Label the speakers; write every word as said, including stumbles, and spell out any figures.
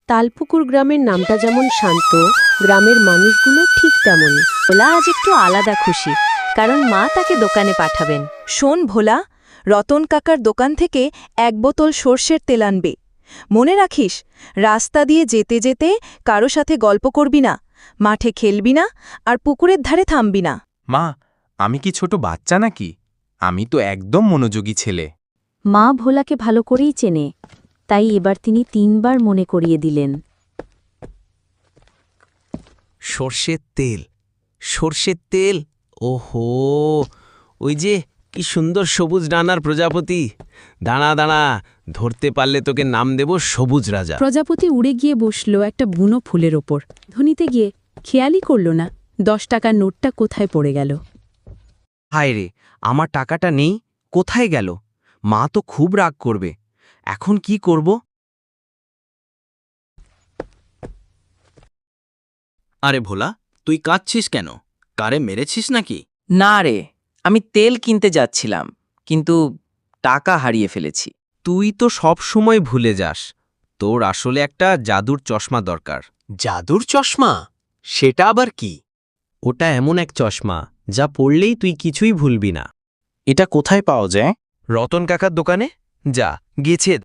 Speaker 1: তালপুকুর গ্রামের নামটা যেমন শান্ত, গ্রামের মানুষগুলো ঠিক তেমনই।
Speaker 2: ভোলা আজ একটু আলাদা খুশি, কারণ মা তাকে দোকানে পাঠাবেন। শোন ভোলা, রতন কাকার দোকান থেকে এক বোতল সর্ষের তেল আনবে। মনে রাখিস, রাস্তা দিয়ে যেতে যেতে কারো সাথে গল্প করবি না, মাঠে খেলবি না, আর পুকুরের ধারে থামবি না।
Speaker 3: মা, আমি কি ছোট বাচ্চা নাকি? আমি তো একদম মনোযোগী ছেলে।
Speaker 2: মা ভোলাকে ভালো করেই চেনে, তাই এবার তিনি তিনবার মনে করিয়ে দিলেন।
Speaker 4: সর্ষের তেল, সর্ষের তেল, ওহো, ওই যে কি সুন্দর সবুজ ডানার প্রজাপতি। দাঁড়া দাঁড়া, ধরতে পারলে তোকে নাম দেব সবুজ রাজা।
Speaker 1: প্রজাপতি উড়ে গিয়ে বসল একটা বুনো ফুলের ওপর। ধনিতে গিয়ে খেয়ালই করল না দশ টাকার নোটটা কোথায় পড়ে গেল।
Speaker 4: হায় রে, আমার টাকাটা নেই, কোথায় গেল? মা তো খুব রাগ করবে। এখন কি করব?
Speaker 5: আরে ভোলা, তুই কাঁদছিস কেন? কারে মেরেছিস নাকি?
Speaker 6: না রে, আমি তেল কিনতে যাচ্ছিলাম, কিন্তু টাকা হারিয়ে ফেলেছি।
Speaker 4: তুই তো সব সময় ভুলে যাস। তোর আসলে একটা জাদুর চশমা দরকার।
Speaker 5: জাদুর চশমা? সেটা আবার কি?
Speaker 4: ওটা এমন এক চশমা যা পড়লেই তুই কিছুই ভুলবি না।
Speaker 3: এটা কোথায় পাওয়া যায়?
Speaker 4: রতন কাকার দোকানে যা, গেছে